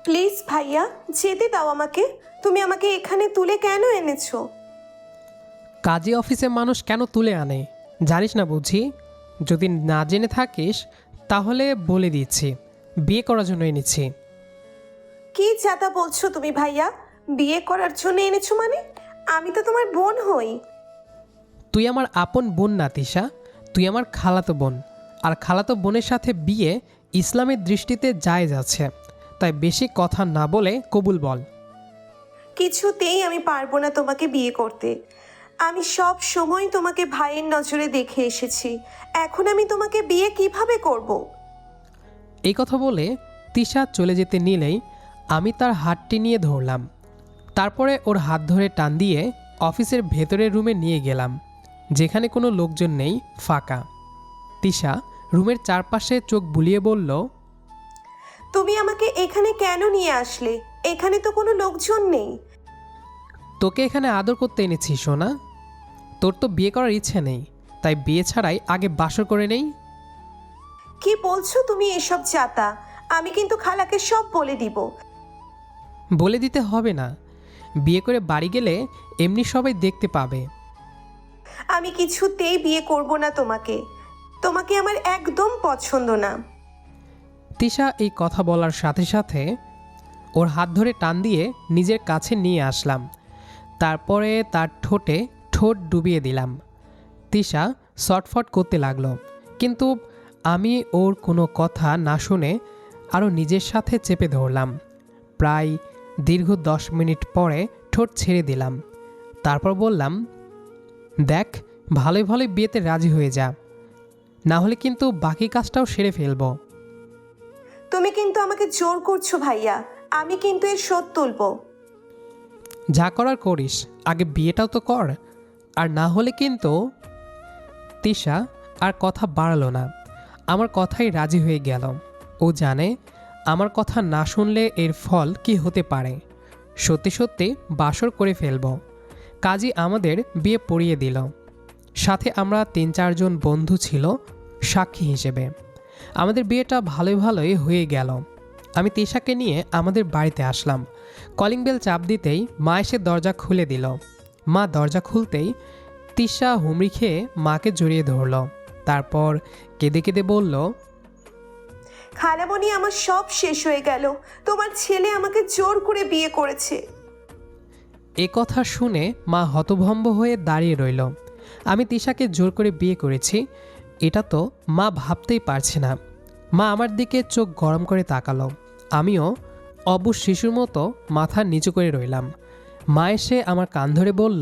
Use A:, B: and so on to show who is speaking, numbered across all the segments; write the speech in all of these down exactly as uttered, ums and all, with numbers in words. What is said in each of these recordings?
A: Please ভাইয়া, যেতে দাও আমাকে। তুমি আমাকে এখানে তুলে কেন এনেছো?
B: কাজী অফিসে মানুষ কেন তুলে আনে জানিস না বুঝি? যদি না জেনে থাকিস তাহলে বলে দিচ্ছি, বিয়ে করার জন্য এনেছি।
A: কি যাতা বলছো তুমি ভাইয়া? বিয়ে করার জন্য এনেছো মানে? আমি তো তোমার বোন হই।
B: তুই আমার আপন বোন না তিশা, তুই আমার খালাতো বোন। আর খালাতো বোনের সাথে বিয়ে ইসলামের দৃষ্টিতে জায়েজ আছে, তাই বেশি কথা না বলে কবুল বল।
A: কিছুতেই আমি পারবো না তোমাকে বিয়ে করতে। আমি সব সময় তোমাকে ভাইয়ের নজরে দেখে এসেছি, এখন আমি তোমাকে বিয়ে কিভাবে করব?
B: এই কথা বলে তিশা চলে যেতে নিলেই আমি তার হাতটি নিয়ে ধরলাম। তারপরে ওর হাত ধরে টান দিয়ে অফিসের ভেতরের রুমে নিয়ে গেলাম, যেখানে কোনো লোকজন নেই, ফাঁকা। তিশা রুমের চারপাশে চোখ বুলিয়ে বলল,
A: তুমি আমাকে এখানে কেন নিয়ে আসলে? এখানে তো কোনো লোকজন নেই।
B: তোকে এখানে আদর করতে এনেছি সোনা। তোর তো বিয়ে করার ইচ্ছে নেই, তাই বিয়ে ছাড়াই আগে বাসর করে নেই।
A: কি বলছো তুমি এসব যাতা? আমি কিন্তু খালাকে সব বলে দিব।
B: বলে দিতে হবে না, বিয়ে করে বাড়ি গেলে এমনি সবাই দেখতে পাবে।
A: আমি কিছুতেই বিয়ে করব না তোমাকে। তোমাকে আমার একদম পছন্দ না।
B: তিশা এই কথা বলার সাথে সাথে ওর হাত ধরে টান দিয়ে নিজের কাছে নিয়ে আসলাম। তারপরে তার ঠোঁটে ঠোঁট ডুবিয়ে দিলাম। তিশা শটফট করতে লাগলো, কিন্তু আমি ওর কোনো কথা না শুনে আরও নিজের সাথে চেপে ধরলাম। প্রায় দীর্ঘ দশ মিনিট পরে ঠোঁট ছেড়ে দিলাম। তারপর বললাম, দেখ, ভালোই ভালোই বিয়েতে রাজি হয়ে যা, না হলে কিন্তু বাকি কাজটাও সেরে ফেলবো।
A: তুমি কিন্তু আমাকে জোর করছো ভাইয়া, আমি কিন্তু এর শোধ তুলব।
B: যা করার করিস, আগে বিয়েটাও তো কর, আর না হলে কিন্তু। তিশা আর কথা বাড়ালো না, আমার কথাই রাজি হয়ে গেল। ও জানে আমার কথা না শুনলে এর ফল কি হতে পারে। সত্যি সত্যি বাসর করে ফেলব। কাজী আমাদের বিয়ে পড়িয়ে দিল। সাথে আমরা তিন চারজন বন্ধু ছিল সাক্ষী হিসেবে। আমাদের বিয়েটা ভালোই ভালোই হয়ে গেল। আমি তিশাকে নিয়ে আমাদের বাড়িতে আসলাম। কলিং বেল চাপ দিতেই মা এসে দরজা খুলে দিল। মা দরজা খুলতেই তিশা হুমড়ি খেয়ে মাকে জড়িয়ে ধরল। তারপর কেঁদে কেঁদে বলল,
A: খালামণি, আমার সব শেষ হয়ে গেল। তোমার ছেলে আমাকে জোর করে বিয়ে করেছে।
B: এ কথা শুনে মা হতভম্ব হয়ে দাঁড়িয়ে রইল। আমি তিশাকে জোর করে বিয়ে করেছি এটা তো মা ভাবতেই পারছে না। মা আমার দিকে চোখ গরম করে তাকালো। আমিও অবুঝ শিশুর মতো মাথা নিচু করে রইলাম। মা এসে আমার কান ধরে বলল,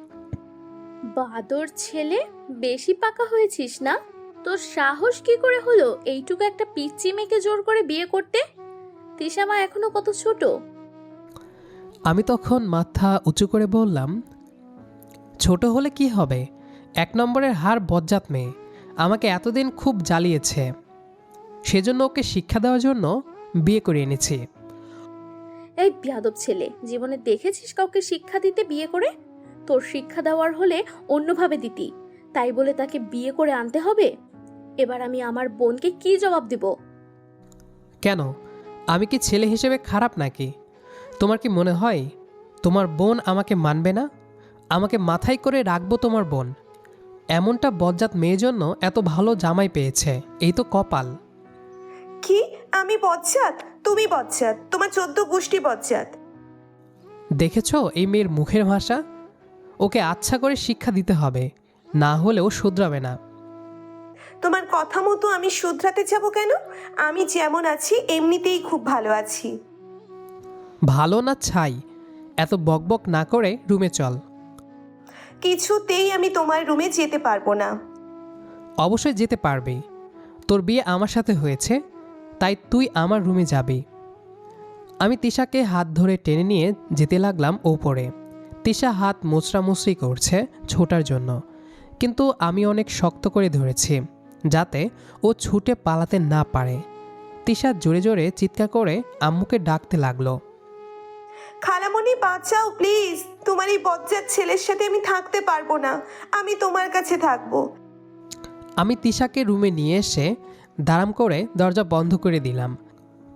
C: বাদর ছেলে, বেশি পাকা হয়েছিস না? তোর সাহস কি করে হলো এইটুকু একটা পিচ্চি মেয়েকে জোর করে বিয়ে করতে? তিশা মা এখনো কত ছোট।
B: আমি তখন মাথা উঁচু করে বললাম, ছোট হলে কি হবে, এক নম্বরের হার বজ্জাত মেয়ে, আমাকে এতদিন খুব জ্বালিয়েছে, সেজন্য ওকে শিক্ষা দেওয়ার জন্য বিয়ে করে এনেছি।
C: এই বিয়াদব ছেলে, জীবনে দেখেছিস কাউকে শিক্ষা দিতে বিয়ে করে? তোর শিক্ষা দেওয়ার হলে অন্যভাবে দিতি, তাই বলে তাকে বিয়ে করে আনতে হবে? এবার আমি আমার বোনকে কি জবাব দিব?
B: কেন, আমি কি ছেলে হিসেবে খারাপ নাকি? তোমার কি মনে হয় তোমার বোন আমাকে মানবে না? আমাকে মাথায় করে রাখবো তোমার বোন? এমনটা বজ্জাত মেয়ের জন্য এত ভালো জামাই পেয়েছে, এই তো কপাল।
A: কি? আমি বজ্জাত? তুমি বজ্জাত, তোমার চোদ্দ গোষ্ঠী বজ্জাত।
B: দেখেছো এই মেয়ের মুখের ভাষা? ওকে আচ্ছা করে শিক্ষা দিতে হবে, না হলেও শুধরাবে না।
A: তোমার কথা মতো আমি শুধরাতে যাব কেন? আমি যেমন আছি এমনিতেই খুব ভালো আছি।
B: ভালো না ছাই, এত বকবক না করে রুমে চল।
A: কিছুতেই আমি তোমার রুমে যেতে পারবো না।
B: অবশ্যই যেতে পারবি, তোর বিয়ে আমার সাথে হয়েছে, তাই তুই আমার রুমে যাবি। আমি তিশাকে হাত ধরে টেনে নিয়ে যেতে লাগলাম ওপরে। তিশা হাত মুচড়ামুচড়ি করছে ছোটার জন্য, কিন্তু আমি অনেক শক্ত করে ধরেছি যাতে ও ছুটে পালাতে না পারে। তিশা জোরে জোরে চিৎকার করে আম্মুকে ডাকতে লাগলো,
A: খালামণি বাঁচাও প্লিজ, তোমার এই বজ্জাত ছেলের সাথে আমি থাকতে পারবো না, আমি তোমার কাছে থাকবো।
B: আমি তিশাকে রুমে নিয়ে এসে দাঁড়াম করে দরজা বন্ধ করে দিলাম।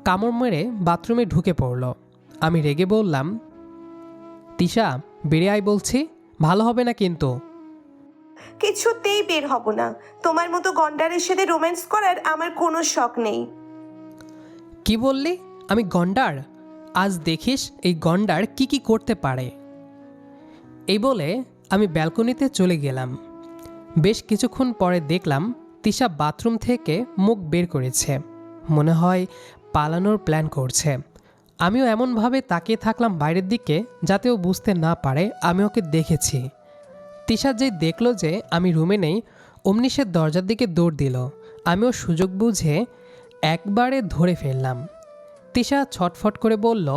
B: কামড় মেরে বাথরুমে ঢুকে পড়ল। আমি রেগে বললাম, তিশা বেরিয়ে আয় বলছি, ভালো হবে না কিন্তু।
A: কিছুতেই বের হব না। তোমার মতো গন্ডারের সাথে রোম্যান্স করার আমার কোনো শখ নেই।
B: কি বললি? আমি গন্ডার? আজ দেখিস এই গন্ডার কি কি করতে পারে। এই বলে আমি ব্যালকনিতে চলে গেলাম। বেশ কিছুক্ষণ পরে দেখলাম তিশা বাথরুম থেকে মুখ বের করেছে, মনে হয় পালানোর প্ল্যান করছে। আমিও এমনভাবে তাকিয়ে থাকলাম বাইরের দিকে যাতে ও বুঝতে না পারে আমি ওকে দেখেছি। তিশা যেই দেখলো যে আমি রুমে নেই, অমনি সে দরজার দিকে দৌড় দিল। আমিও সুযোগ বুঝে একবারে ধরে ফেললাম। তিশা ছটফট করে বলল,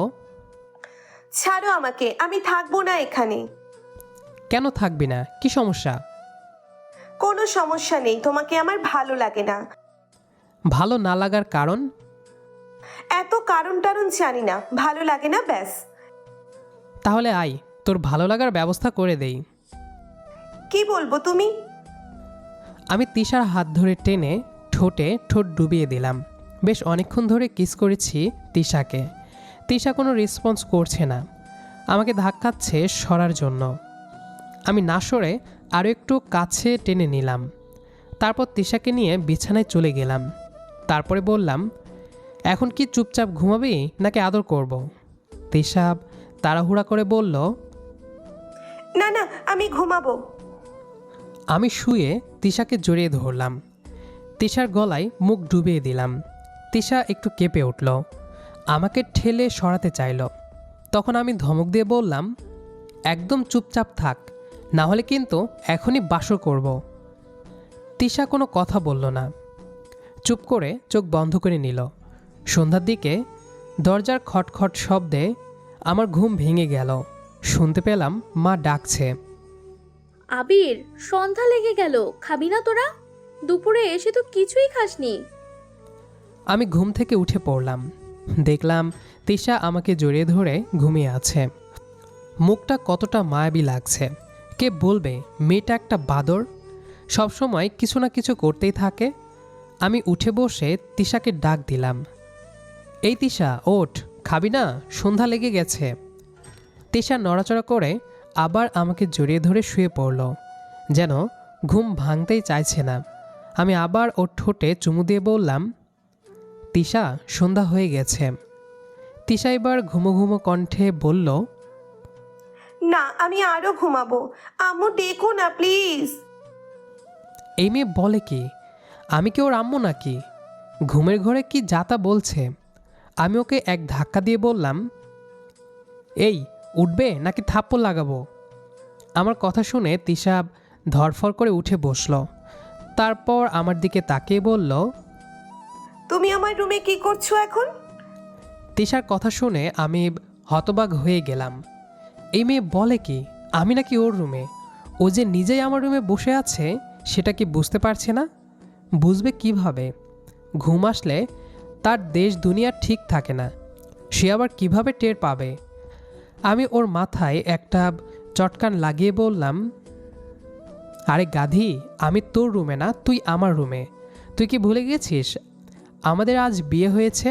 A: ছাড়ো আমাকে, আমি থাকবো না এখানে।
B: কেন থাকবি না? কি সমস্যা?
A: কোনো সমস্যা নেই, তোমাকে আমার ভালো লাগে না।
B: ভালো না লাগার কারণ?
A: এত কারণ টারণ জানি না, ভালো লাগে না ব্যাস।
B: তাহলে আয়, তোর ভালো লাগার ব্যবস্থা করে দেই।
A: কি বলবো তুমি?
B: আমি তিশার হাত ধরে টেনে ঠোঁটে ঠোঁট ডুবিয়ে দিলাম। বেশ অনেকক্ষণ ধরে কিস করেছি তিশাকে। তিশা কোনো রেসপন্স করছে না, আমাকে ধাক্কাচ্ছে সরার জন্য। আমি না সরে আরও একটু কাছে টেনে নিলাম। তারপর তিশাকে নিয়ে বিছানায় চলে গেলাম। তারপরে বললাম, এখন কি চুপচাপ ঘুমাবি নাকি আদর করব? তিশা তাড়াহুড়া করে বলল,
A: না না, আমি ঘুমাবো।
B: আমি শুয়ে তিশাকে জড়িয়ে ধরলাম। তিশার গলায় মুখ ডুবিয়ে দিলাম। তিশা একটু কেঁপে উঠল, আমাকে ঠেলে সরাতে চাইল। তখন আমি ধমক দিয়ে বললাম, একদম চুপচাপ থাক, না হলে কিন্তু এখনই বাসর করব। তিশা কোনো কথা বলল না, চুপ করে চোখ বন্ধ করে নিল। সন্ধ্যার দিকে দরজার খটখট শব্দে আমার ঘুম ভেঙে গেল। শুনতে পেলাম মা ডাকছে,
C: আবির, সন্ধ্যা লেগে গেল, খাবি না তোরা? দুপুরে এসে তো কিছুই খাসনি।
B: আমি ঘুম থেকে উঠে পড়লাম। দেখলাম তিশা আমাকে জড়িয়ে ধরে ঘুমিয়ে আছে। মুখটা কতটা মায়াবী লাগছে। কে বলবে মেয়েটা একটা বাদর, সবসময় কিছু না কিছু করতেই থাকে। আমি উঠে বসে তিশাকে ডাক দিলাম, এই তিশা ওঠ, খাবি না? সন্ধ্যা লেগে গেছে। তিশা নড়াচড়া করে আবার আমাকে জড়িয়ে ধরে শুয়ে পড়ল, যেন ঘুম ভাঙতেই চাইছে না। আমি আবার ওর ঠোঁটে চুমু দিয়ে বললাম, তিশা সন্ধ্যা হয়ে গেছে। তিশা এবার ঘুমো ঘুমো কণ্ঠে বলল,
A: না, আমি আরো ঘুমাবো। আম্মু ডেকো না প্লিজ।
B: এই মেয়ে বলে কি? আমি কি ওর আম্মু নাকি? ঘুমের ঘরে কি যাতা বলছে। আমি ওকে এক ধাক্কা দিয়ে বললাম, এই উঠবে নাকি থাপ্পড় লাগাবো? আমার কথা শুনে তিশা ধরফর করে উঠে বসল। তারপর আমার দিকে তাকিয়ে বলল,
A: তুমি আমার রুমে কি করছো এখন?
B: তিশার কথা শুনে আমি হতবাক হয়ে গেলাম। এই মেয়ে বলে কি আমি নাকি ওর রুমে? ও যে নিজেই আমার রুমে বসে আছে সেটা কি বুঝতে পারছে না? বুঝবে কিভাবে? ঘুম আসলে তার দেশ দুনিয়া ঠিক থাকে না, সে আবার কিভাবে টের পাবে? আমি ওর মাথায় একটা চটকান লাগিয়ে বললাম, আরে গাধি, আমি তোর রুমে না, তুই আমার রুমে। তুই কি ভুলে গেছিস আমাদের আজ বিয়ে হয়েছে?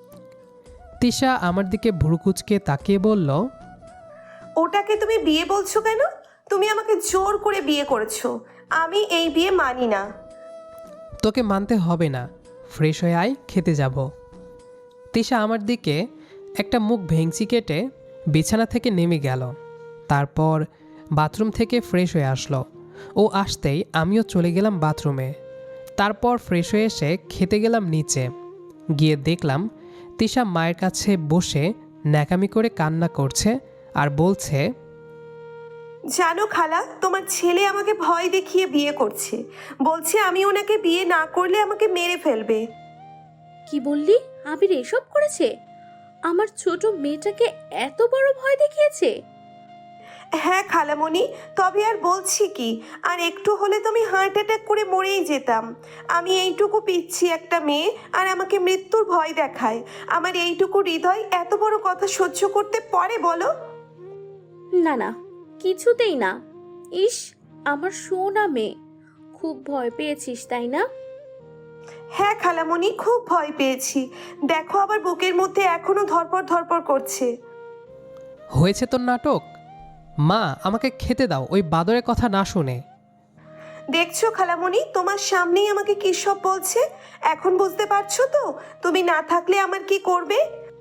B: তিশা আমার দিকে ভুরুকুচকে তাকিয়ে বলল,
A: ওটাকে তুমি বিয়ে বলছো কেন? তুমি আমাকে জোর করে বিয়ে করেছো, আমি এই বিয়ে মানি না।
B: তোকে মানতে হবে না, ফ্রেশ হয়ে আয়, খেতে যাব। তিশা আমার দিকে একটা মুখ ভেঙচি কেটে বিছানা থেকে নেমে গেল। তারপর বাথরুম থেকে ফ্রেশ হয়ে আসলো। ও আসতেই আমিও চলে গেলাম বাথরুমে। তারপর ফ্রেশ হয়ে এসে খেতে গেলাম নিচে। গিয়ে দেখলাম তিশা মায়ের কাছে বসে ন্যাকামি করে কান্না করছে আর বলছে,
A: জানো খালা, তোমার ছেলে আমাকে ভয় দেখিয়ে বিয়ে করছে। বলছে আমি ওনাকে বিয়ে না করলে আমাকে মেরে ফেলবে।
C: কি বললি? আবির এসব করেছে? আমার ছোট মেয়েটাকে এত বড় ভয় দেখিয়েছে?
A: হ্যাঁ খালামণি, তবে আর বলছি কি, আর একটু হলে তুমি হার্ট অ্যাটাক করে মরেই যেতাম। আমি এইটুকু পিচ্ছি একটা মেয়ে আর আমাকে মৃত্যুর ভয় দেখায়। আমার এইটুকু হৃদয় এত বড় কথা সহ্য করতে পারে বলো?
C: না না, কিছুতেই না। ইস, আমার সোনা মেয়ে, খুব ভয় পেয়েছিস তাই না?
A: হ্যাঁ খালামণি, খুব ভয় পেয়েছি। দেখো আবার বুকের মধ্যে এখনো ধরপড় ধরপড় করছে।
B: হয়েছে তোর নাটক। মা, আমাকে খেতে দাও ওই বাদরের কথা না শুনে।
A: দেখছো খালামণি, তোমার সামনেই আমাকে কী সব বলছে। এখন বুঝতে পারছো তো তুমি না থাকলে আমার কি করবে?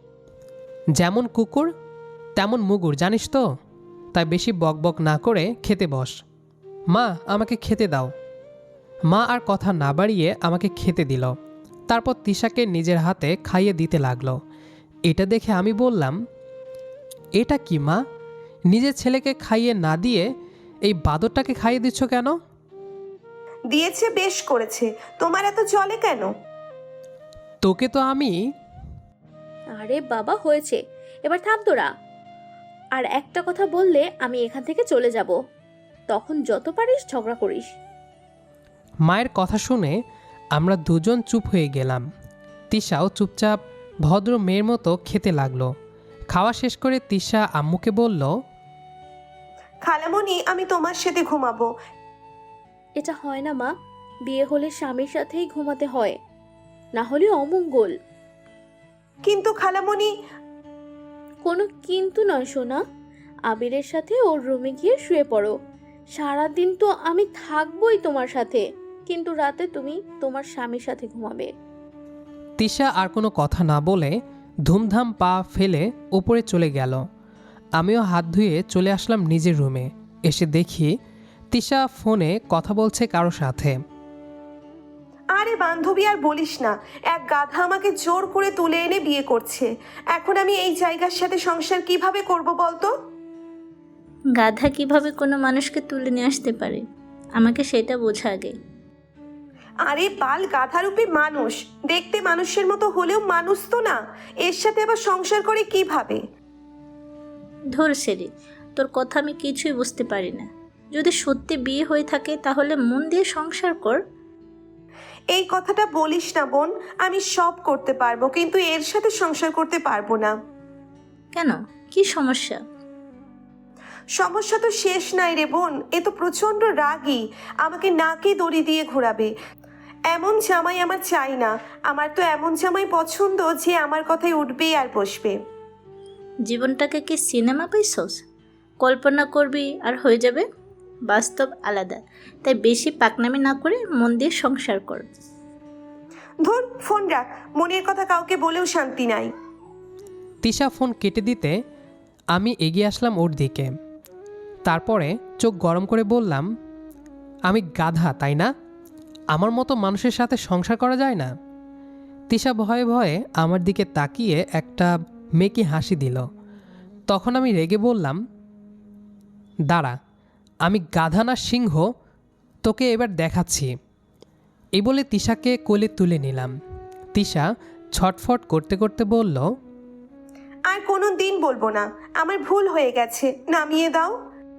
B: যেমন কুকুর তেমন মুগুর, জানিস তো। তাই বেশি বকবক না করে খেতে বস। মা, আমাকে খেতে দাও। মা আর কথা না বাড়িয়ে আমাকে খেতে দিল। তারপর তিশাকে নিজের হাতে খাইয়ে দিতে লাগলো। এটা দেখে আমি বললাম, এটা কি মা, নিজের ছেলেকে খাইয়ে না দিয়ে এই বাদরটাকে খাইয়ে দিচ্ছ কেন?
A: দিয়েছে, বেশ করেছে। তোমার এত চলে কেন?
B: তোকে তো আমি।
C: আরে বাবা, হয়েছে, এবার থাম তোরা। আর একটা কথা বললে আমি এখান থেকে চলে যাব। তখন যত পারিস ঝগড়া করিস।
B: মায়ের কথা শুনে আমরা দুজন চুপ হয়ে গেলাম। তিশাও চুপচাপ ভদ্র মেয়ের মতো খেতে লাগলো। খাওয়া শেষ করে তিশা আম্মুকে বলল,
A: খালামণি, আমি তোমার সাথে ঘুমাবো।
C: এটা হয় না মা, বিয়ে হলে স্বামীর সাথেই ঘুমাতে হয়, না হলে অমঙ্গল।
A: কিন্তু খালামণি।
C: কোনো কিন্তু নয় সোনা, আবিরের সাথে ওর রুমে গিয়ে শুয়ে পড়ো। সারাদিন তো আমি থাকবোই তোমার সাথে, কিন্তু রাতে তুমি তোমার স্বামীর সাথে ঘুমাবে।
B: তিশা আর কোনো কথা না বলে ধুমধাম পা ফেলে উপরে চলে গেল। আমিও হাত ধুয়ে চলে আসলাম নিজের রুমে। এসে দেখি তিশা ফোনে কথা বলছে কারো সাথে।
A: আরে বান্ধবী, আর বলিস না, এক গাধা আমাকে জোর করে তুলে এনে বিয়ে করছে। এখন আমি এই জায়গার সাথে সংসার কিভাবে করব বলতো?
D: গাধা কিভাবে কোনো মানুষকে তুলে নিয়ে আসতে পারে, আমাকে সেটা বোঝা আগে।
A: আরে বাল, গাধারূপী মানুষ, দেখতে মানুষের মতো হলেও মানুষ তো না। এর সাথে আবার সংসার করে কিভাবে?
D: ধর সেরে, তোর কথা আমি কিছুই বুঝতে পারি না। যদি সত্যি বিয়ে হয়ে থাকে তাহলে মন দিয়ে সংসার কর।
A: এই কথাটা বলিস না বোন। আমি সব করতে পারবো, কিন্তু এর সাথে সংসার করতে পারবো না।
D: কেন, কি সমস্যা?
A: সমস্যা তো শেষ নাই রে বোন। এ তো প্রচন্ড রাগী, আমাকে নাকে দড়ি দিয়ে ঘোরাবে। এমন জামাই আমার চাই না। আমার তো এমন জামাই পছন্দ যে আমার কথায় উঠবে আর বসবে।
D: জীবনটাকে কি সিনেমা পাইছস? কল্পনা করবি আর হয়ে যাবে। বাস্তব আলাদা, তাই বেশি পাকনামি না করে মন দিয়ে সংসার কর।
A: ধুর, ফোন রাখ। মনের কথা কাউকে বলেও শান্তি নাই।
B: তিশা ফোন কেটে দিতে আমি এগিয়ে আসলাম ওর দিকে। তারপরে চোখ গরম করে বললাম, আমি গাধা তাই না? আমার মতো মানুষের সাথে সংসার করা যায় না? তিশা ভয়ে ভয়ে আমার দিকে তাকিয়ে একটা মেকি হাসি দিল। তখন আমি রেগে বললাম, দাঁড়া, আমি গাধা না সিংহ, তোকে এবার দেখাচ্ছি। এই বলে তিশাকে কোলে তুলে নিলাম। তিশা ছটফট করতে করতে বলল,
A: আর কোনো দিন বলবো না। আমার ভুল হয়ে গেছে, নামিয়ে দাও।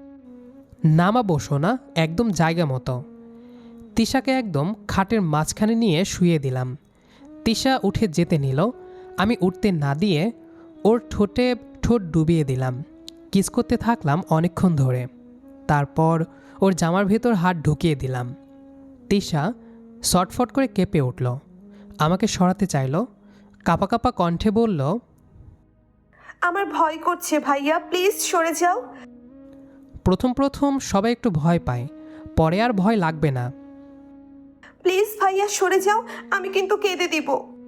B: নামাবো সোনা, একদম জায়গা মতো। তিশাকে একদম খাটের মাঝখানে নিয়ে শুয়ে দিলাম। তিশা উঠে যেতে নিল। আমি উঠতে না দিয়ে ওর ঠোঁটে ঠোঁট ডুবিয়ে দিলাম। কিস করতে থাকলাম অনেকক্ষণ ধরে। তারপর ওর জামার ভেতর হাত ঢুকিয়ে দিলাম। তিশা শটফট করে কেঁপে উঠল, আমাকে সরাতে চাইল। কাপা কাপা কণ্ঠে বলল,
A: আমার ভয় করছে ভাইয়া, প্লিজ সরে যাও।
B: প্রথম প্রথম সবাই একটু ভয় পায়, পরে আর ভয় লাগবে না।
A: প্লিজ ভাইয়া সরে যাও, আমি কিন্তু কেঁদে দিব।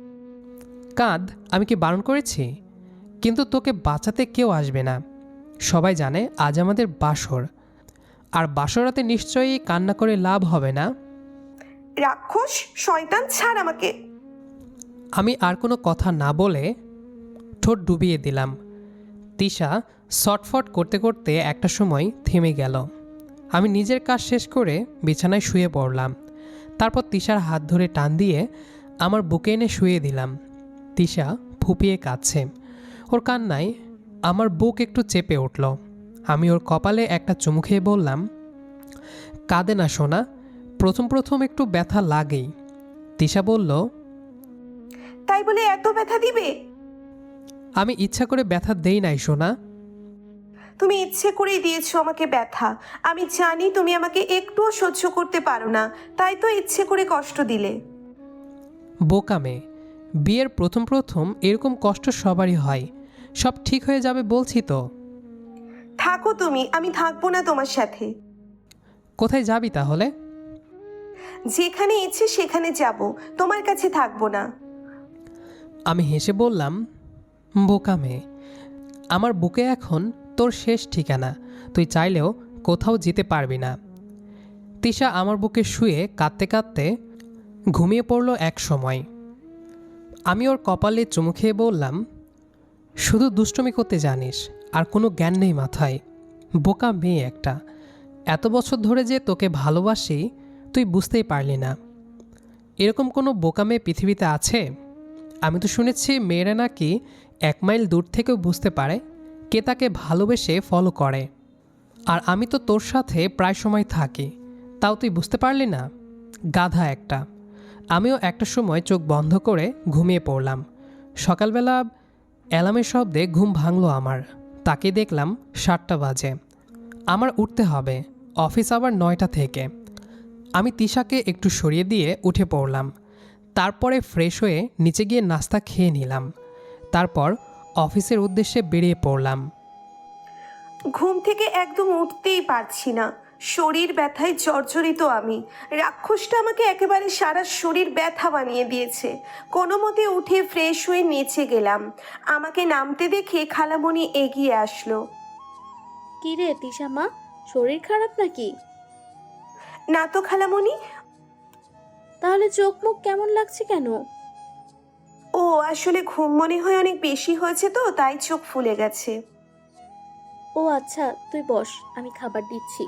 B: কাঁদ, আমি কি বারণ করেছি? কিন্তু তোকে বাঁচাতে কেউ আসবে না। সবাই জানে আজ আমাদের বাসর, আর বাসরাতে নিশ্চয়ই কান্না করে লাভ হবে না।
A: রাক্ষস, শয়তান, ছাড় আমাকে।
B: আমি আর কোনো কথা না বলে ঠোঁট ডুবিয়ে দিলাম। তিশা শটফট করতে করতে একটা সময় থেমে গেল। আমি নিজের কাজ শেষ করে বিছানায় শুয়ে পড়লাম। তারপর তিশার হাত ধরে টান দিয়ে আমার বুকে এনে শুয়ে দিলাম। তিশা ফুপিয়ে কাঁদছে। ওর কান্নায় আমার বুক একটু চেপে উঠল। আমি ওর কপালে একটা চুমু খেয়ে বললাম, কাঁদে না সোনা, প্রথম প্রথম একটু ব্যথা লাগেই। তিশা বলল,
A: তাই বলে এত ব্যথা দিবে?
B: আমি ইচ্ছা করে ব্যথা দেই নাই সোনা।
A: তুমি ইচ্ছে করেই দিয়েছো আমাকে ব্যথা। আমি জানি তুমি আমাকে একটুও সহ্য করতে পারো না, তাই তো ইচ্ছে করে কষ্ট দিলে।
B: বোকা মেয়ে। বিয়ের প্রথম প্রথম এরকম কষ্ট সবারই হয়। সব ঠিক হয়ে যাবে বলছি তো।
A: থাকো তুমি, আমি থাকবো না তোমার সাথে।
B: কোথায় যাবি তাহলে?
A: যেখানে ইচ্ছে সেখানে যাব, তোমার কাছে থাকবো না।
B: আমি হেসে বললাম, বোকা মেয়ে, আমার বুকে এখন তোর শেষ ঠিকানা। তুই চাইলেও কোথাও যেতে পারবি না। তিশা আমার বুকে শুয়ে কাঁদতে কাঁদতে ঘুমিয়ে পড়ল এক সময়। আমি ওর কপালে চুমু খেয়ে বললাম, শুধু দুষ্টুমি করতে জানিস, আর কোনো জ্ঞান নেই মাথায়। বোকা মেয়ে একটা। এত বছর ধরে যে তোকে ভালোবাসি তুই বুঝতেই পারলি না। এরকম কোনো বোকা মেয়ে পৃথিবীতে আছে? আমি তো শুনেছি মেয়েরা নাকি এক মাইল দূর থেকেও বুঝতে পারে কে তাকে ভালোবেসে ফলো করে। আর আমি তো তোর সাথে প্রায় সময় থাকি, তাও তুই বুঝতে পারলি না? গাধা একটা। আমিও একটা সময় চোখ বন্ধ করে ঘুমিয়ে পড়লাম। সকালবেলা অ্যালার্মের শব্দে ঘুম ভাঙল আমার। তাকে দেখলাম সাতটা বাজে। আমার উঠতে হবে, অফিস আবার নয়টা থেকে। আমি তিশাকে একটু সরিয়ে দিয়ে উঠে পড়লাম। তারপরে ফ্রেশ হয়ে নিচে গিয়ে নাস্তা খেয়ে নিলাম। তারপর অফিসের উদ্দেশ্যে বেরিয়ে পড়লাম।
A: ঘুম থেকে একদম উঠতেই পারছি না, শরীর ব্যথায় জর্জরিত আমি। রাক্ষসটা আমাকে একেবারে সারা শরীর ব্যথা বানিয়ে দিয়েছে। কোনো মতে উঠে ফ্রেশ হয়ে নিচে গেলাম। আমাকে নামতে দেখে খালামণি এগিয়ে আসলো।
C: কি রে তিশা মা, শরীর খারাপ নাকি?
A: না তো খালামণি।
C: তাহলে চোখ মুখ কেমন লাগছে কেন?
A: ও আসলে ঘুম মনে হয় অনেক বেশি হয়েছে তো, তাই চোখ ফুলে গেছে।
C: ও আচ্ছা, তুই বস, আমি খাবার দিচ্ছি।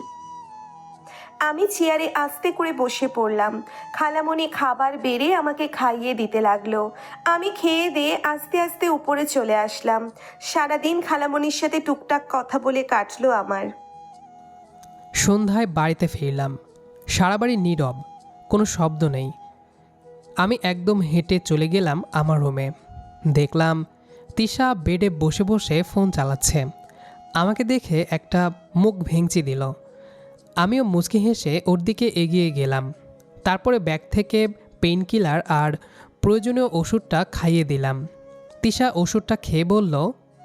A: আমি চেয়ারে আস্তে করে বসে পড়লাম। খালামণি খাবার বেড়ে আমাকে খাইয়ে দিতে লাগলো। আমি খেয়ে দিয়ে আস্তে আস্তে উপরে চলে আসলাম। সারাদিন খালামণির সাথে টুকটাক কথা বলে কাটলো আমার।
B: সন্ধ্যায় বাড়িতে ফিরলাম। সারা বাড়ি নীরব, কোনো শব্দ নেই। আমি একদম হেঁটে চলে গেলাম আমার রুমে। দেখলাম তিশা বেডে বসে বসে ফোন চালাচ্ছে। আমাকে দেখে একটা মুখ ভেঙচি দিল। আমিও মুচকি হেসে ওর দিকে এগিয়ে গেলাম। তারপরে ব্যাগ থেকে পেইন কিলার আর প্রয়োজনীয় ওষুধটা খাইয়ে দিলাম। তিশা ওষুধটা খেয়ে বলল,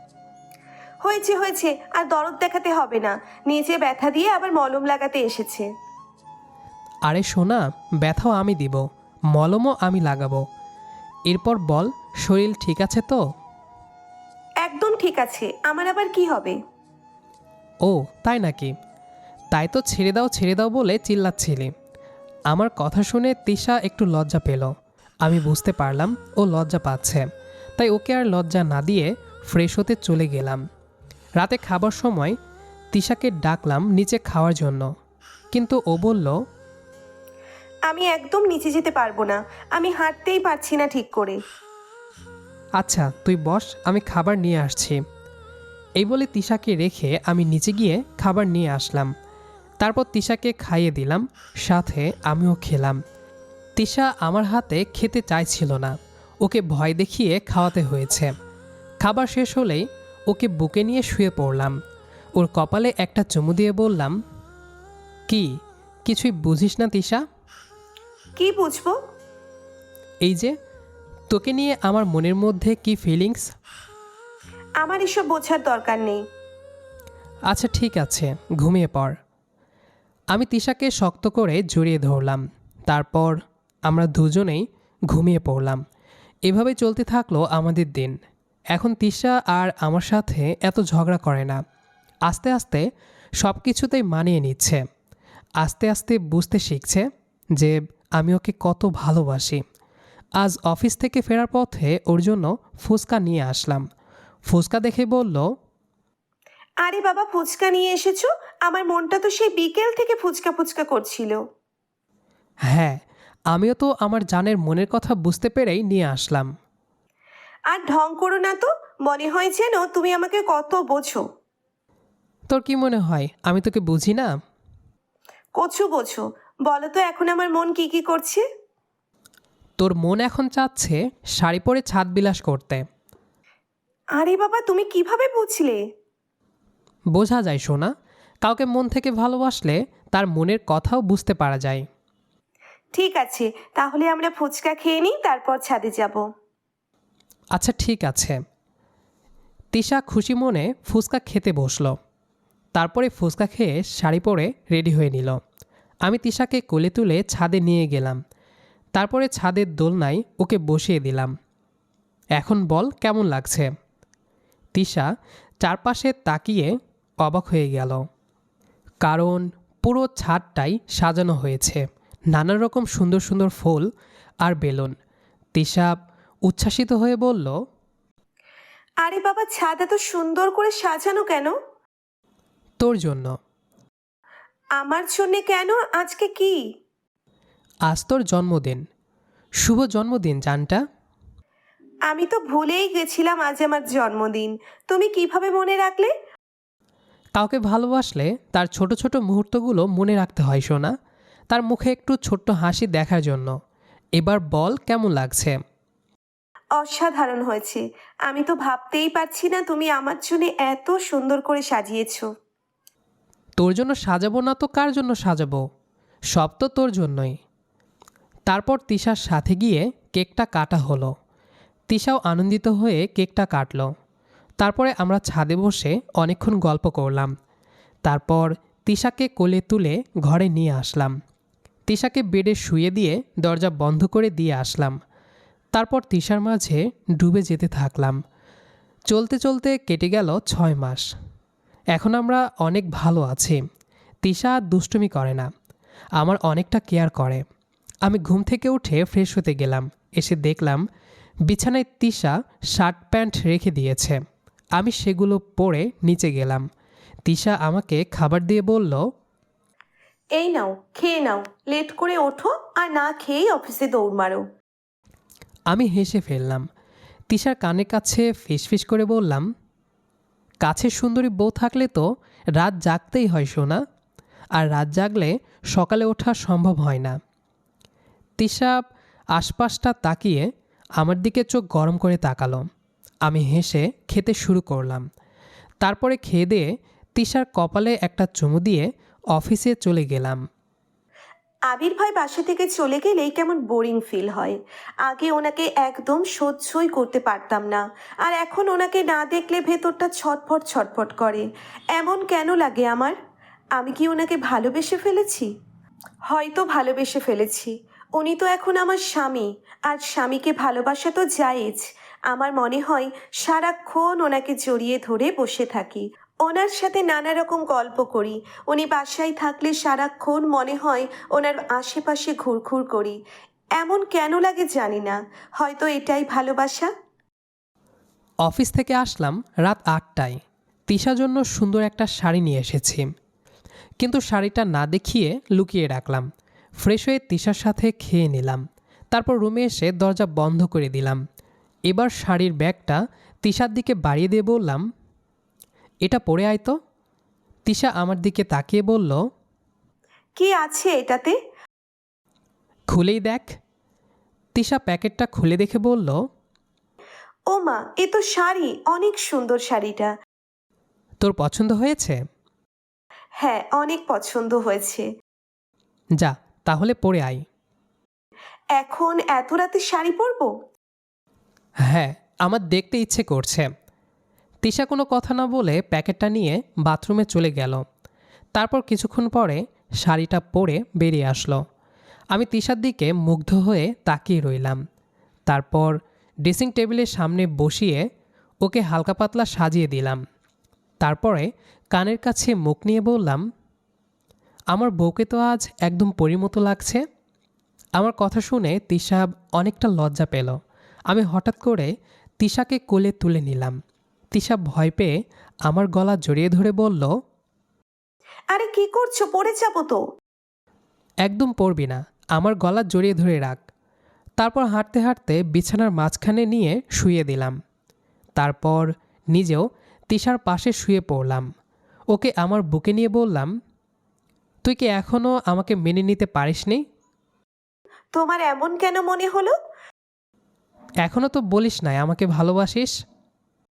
A: হয়েছে হয়েছে, আর দরদ দেখাতে হবে না। নিচে ব্যথা দিয়ে আবার মলম লাগাতে এসেছে।
B: আরে সোনা, ব্যথাও আমি দিব, মলমও আমি লাগাবো। এরপর বল, শরীর ঠিক আছে তো?
A: একদম ঠিক আছে, আমার আবার কি হবে?
B: ও তাই নাকি? তাই তো ছেড়ে দাও ছেড়ে দাও বলে চিল্লাচ্ছিলি। আমার কথা শুনে তিশা একটু লজ্জা পেল। আমি বুঝতে পারলাম ও লজ্জা পাচ্ছে, তাই ওকে আর লজ্জা না দিয়ে ফ্রেশ হতে চলে গেলাম। রাতে খাবার সময় তিশাকে ডাকলাম নিচে খাওয়ার জন্য, কিন্তু ও বলল,
A: আমি একদম নিচে যেতে পারবো না, আমি হাঁটতেই পারছি না ঠিক করে।
B: আচ্ছা তুই বস, আমি খাবার নিয়ে আসছি। এই বলে তিশাকে রেখে আমি নিচে গিয়ে খাবার নিয়ে আসলাম। তারপর তিশাকে খাইয়ে দিলাম, সাথে আমিও খেলাম। তিশা আমার হাতে খেতে চাইছিল না, ওকে ভয় দেখিয়ে খাওয়াতে হয়েছে। খাবার শেষ হলেই ওকে বুকে নিয়ে শুয়ে পড়লাম। ওর কপালে একটা চুমু দিয়ে বললাম, কি কিছুই বুঝিস না তিশা?
A: কি বুঝবো?
B: এই যে তোকে নিয়ে আমার মনের মধ্যে কি ফিলিংস।
A: আমার এসব বোঝার দরকার নেই।
B: আচ্ছা ঠিক আছে, ঘুমিয়ে পড়। আমি তিশাকে শক্ত করে জড়িয়ে ধরলাম। তারপর আমরা দুজনেই ঘুমিয়ে পড়লাম। এভাবে চলতে থাকলো আমাদের দিন। এখন তিশা আর আমার সাথে এত ঝগড়া করে না। আস্তে আস্তে সব কিছুতেই মানিয়ে নিচ্ছে। আস্তে আস্তে বুঝতে শিখছে যে আমি ওকে কত ভালোবাসি। আজ অফিস থেকে ফেরার পথে ওর জন্য ফুচকা নিয়ে আসলাম। ফুচকা দেখে বলল,
A: আরে বাবা, ফুচকা নিয়ে এসেছো? আমার মনটা তো সেই বিকেল থেকে ফুচকা ফুচকা করছিল।
B: হ্যাঁ, আমিও তো আমার জানের মনের কথা বুঝতে পেরেই নিয়ে আসলাম।
A: আর ঢং করো না তো, মনে হয় যেন তুমি আমাকে কত বোঝো।
B: তোর কি মনে হয় আমি তোকে বুঝি না?
A: কচু বোঝো। বলো তো এখন আমার মন কি কি করছে?
B: তোর মন এখন চাচ্ছে শাড়ি পরে ছাদ বিলাস করতে।
A: আরে বাবা, তুমি কিভাবে বুঝলে?
B: বোঝা যায় সোনা, কাউকে মন থেকে ভালোবাসলে তার মনের কথাও বুঝতে পারা যায়।
A: ঠিক আছে, তাহলে আমরা ফুচকা খেয়ে নিই, তারপর ছাদে যাব।
B: আচ্ছা ঠিক আছে। তিশা খুশি মনে ফুচকা খেতে বসলো। তারপরে ফুচকা খেয়ে শাড়ি পরে রেডি হয়ে নিল। আমি তিশাকে কোলে তুলে ছাদে নিয়ে গেলাম। তারপরে ছাদের দোলনায় ওকে বসিয়ে দিলাম। এখন বল কেমন লাগছে? তিশা চারপাশে তাকিয়ে অবাক হয়ে গেল, কারণ পুরো ছাদটাই সাজানো হয়েছে নানা রকম সুন্দর সুন্দর ফুল আর বেলুন। তিশা উচ্ছ্বাসিত হয়ে বলল,
A: আরে বাবা, ছাদ এত সুন্দর করে সাজানো কেন?
B: তোর জন্য।
A: আমার জন্যে কেন? আজকে কি?
B: আজ তোর জন্মদিন। শুভ জন্মদিন জানটা।
A: আমি তো ভুলেই গেছিলাম আজ আমার জন্মদিন। তুমি কিভাবে মনে রাখলে?
B: কাউকে ভালোবাসলে তার ছোট ছোট মুহূর্তগুলো মনে রাখতে হয় সোনা, তার মুখে একটু ছোট্ট হাসি দেখার জন্য। এবার বল কেমন লাগছে?
A: অসাধারণ হয়েছে। আমি তো ভাবতেই পারছি না তুমি আমার জন্য এত সুন্দর করে সাজিয়েছো।
B: তোর জন্য সাজাবো না তো কার জন্য সাজাবো? সব তো তোর জন্যই। তারপর তিশার সাথে গিয়ে কেকটা কাটা হলো। তিশাও আনন্দিত হয়ে কেকটা কাটলো। তারপরে আমরা ছাদে বসে অনেকক্ষণ গল্প করলাম। তারপর তিশাকে কোলে তুলে ঘরে নিয়ে আসলাম। তিশাকে বেডে শুয়ে দিয়ে দরজা বন্ধ করে দিয়ে আসলাম। তারপর তিশার মাঝে ডুবে যেতে থাকলাম। চলতে চলতে কেটে গেল ছয় মাস। এখন আমরা অনেক ভালো আছি। তিশা আর দুষ্টুমি করে না, আমার অনেকটা কেয়ার করে। আমি ঘুম থেকে উঠে ফ্রেশ হতে গেলাম। এসে দেখলাম বিছানায় তিশা শার্ট প্যান্ট রেখে দিয়েছে। আমি সেগুলো পরে নিচে গেলাম। তিশা আমাকে খাবার দিয়ে বলল,
A: এই নাও, খেয়ে নাও, লেট করে ওঠো আর না খেয়েই অফিসে দৌড় মারো।
B: আমি হেসে ফেললাম। তিশার কানের কাছে ফিসফিস করে বললাম, কাছের সুন্দরী বউ থাকলে তো রাত জাগতেই হয় সোনা, আর রাত জাগলে সকালে ওঠা সম্ভব হয় না। তিশা আশপাশটা তাকিয়ে আমার দিকে চোখ গরম করে তাকালো। আমি হেসে খেতে শুরু করলাম। তারপরে খেয়ে দিয়ে তিশার কপালে একটা চুমু দিয়ে অফিসে চলে গেলাম।
A: আবির ভাই বাসা থেকে চলে গেলেই কেমন বোরিং ফিল হয়। আগে ওনাকে একদম সহ্যই করতে পারতাম না, আর এখন ওনাকে না দেখলে ভেতরটা ছটফট ছটফট করে। এমন কেন লাগে আমার? আমি কি ওনাকে ভালোবেসে ফেলেছি? হয়তো ভালোবেসে ফেলেছি। উনি তো এখন আমার স্বামী, আর স্বামীকে ভালোবাসা তো জায়েজ। আমার মনে হয় সারাক্ষণ ওনাকে জড়িয়ে ধরে বসে থাকি, ওনার সাথে নানা রকম গল্প করি। উনি বাসায় থাকলে সারাক্ষণ মনে হয় ওনার আশেপাশে ঘুরঘুর করি। এমন কেন লাগে জানি না, হয়তো এটাই ভালোবাসা।
B: অফিস থেকে আসলাম রাত আটটায়। তিশার জন্য সুন্দর একটা শাড়ি নিয়ে এসেছি, কিন্তু শাড়িটা না দেখিয়ে লুকিয়ে রাখলাম। ফ্রেশ হয়ে তিশার সাথে খেয়ে নিলাম। তারপর রুমে এসে দরজা বন্ধ করে দিলাম। এবার শাড়ির ব্যাগটা তিশার দিকে বাড়িয়ে দিয়ে বললাম, এটা পরে আয় তো। তিশা আমার দিকে তাকিয়ে বলল,
A: কি আছে এটাতে?
B: খুলেই দেখ। তিশা প্যাকেটটা খুলে দেখে বলল,
A: ও মা, এ তো শাড়ি, অনেক সুন্দর শাড়িটা।
B: তোর পছন্দ হয়েছে?
A: হ্যাঁ, অনেক পছন্দ হয়েছে।
B: যা তাহলে পরে আয়।
A: এখন এত রাতে শাড়ি পরবো?
B: হ্যাঁ, আমার দেখতে ইচ্ছে করছে। তিশা কোনো কথা না বলে প্যাকেটটা নিয়ে বাথরুমে চলে গেল। তারপর কিছুক্ষণ পরে শাড়িটা পরে বেরিয়ে আসলো। আমি তিশার দিকে মুগ্ধ হয়ে তাকিয়ে রইলাম। তারপর ড্রেসিং টেবিলের সামনে বসিয়ে ওকে হালকা পাতলা সাজিয়ে দিলাম। তারপরে কানের কাছে মুখ নিয়ে বললাম, আমার বউকে তো আজ একদম পরীর মতো লাগছে। আমার কথা শুনে তিশা অনেকটা লজ্জা পেল। আমি হঠাৎ করে তিশাকে কোলে তুলে নিলাম। তিশা ভয় পেয়ে আমার গলা জড়িয়ে ধরে বলল,
A: আরে কি করছো? পড়ে যাবো তো।
B: একদম পড়বি না, আমার গলা জড়িয়ে ধরে রাখ। তারপর হাঁটতে হাঁটতে বিছানার মাঝখানে নিয়ে শুয়ে দিলাম। তারপর নিজেও তিশার পাশে শুয়ে পড়লাম। ওকে আমার বুকে নিয়ে বললাম, তুই কি এখনও আমাকে মেনে নিতে পারিসনি?
A: তোমার এমন কেন মনে হলো?
B: এখনও তো বলিস নাই আমাকে ভালোবাসিস।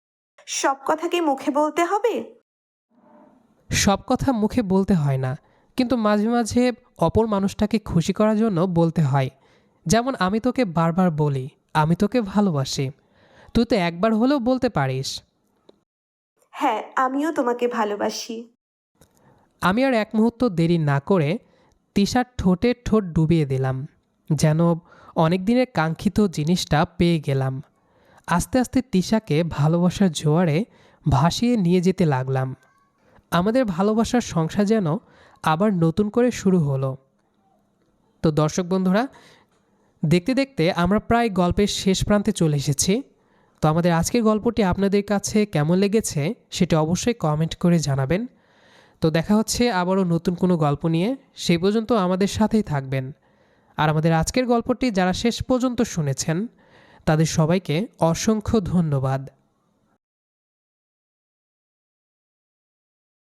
A: সব কথা কি মুখে বলতে হবে?
B: সব কথা মুখে বলতে হয় না, কিন্তু মাঝে মাঝে অপর মানুষটাকে খুশি করার জন্য বলতে হয়। যেমন আমি তোকে বারবার বলি আমি তোকে ভালোবাসি, তুই তো একবার হলেও বলতে পারিস।
A: হ্যাঁ, আমিও তোমাকে ভালোবাসি।
B: আমি আর এক মুহূর্ত দেরি না করে তিশার ঠোঁটে ঠোঁট ডুবিয়ে দিলাম, যেন অনেক দিনের কাঙ্ক্ষিত জিনিসটা পেয়ে গেলাম। আস্তে আস্তে তিশাকে ভালোবাসার জোয়ারে ভাসিয়ে নিয়ে যেতে লাগলাম। আমাদের ভালোবাসার সংসার যেন আবার নতুন করে শুরু হলো। তো দর্শক বন্ধুরা, দেখতে দেখতে আমরা প্রায় গল্পের শেষ প্রান্তে চলে এসেছি। তো আমাদের আজকের গল্পটি আপনাদের কাছে কেমন লেগেছে সেটা অবশ্যই কমেন্ট করে জানাবেন। তো দেখা হচ্ছে আবারও নতুন কোনো গল্প নিয়ে, সেই পর্যন্ত আমাদের সাথেই থাকবেন। আর আমাদের আজকের গল্পটি যারা শেষ পর্যন্ত শুনেছেন তাদের সবাইকে অসংখ্য ধন্যবাদ।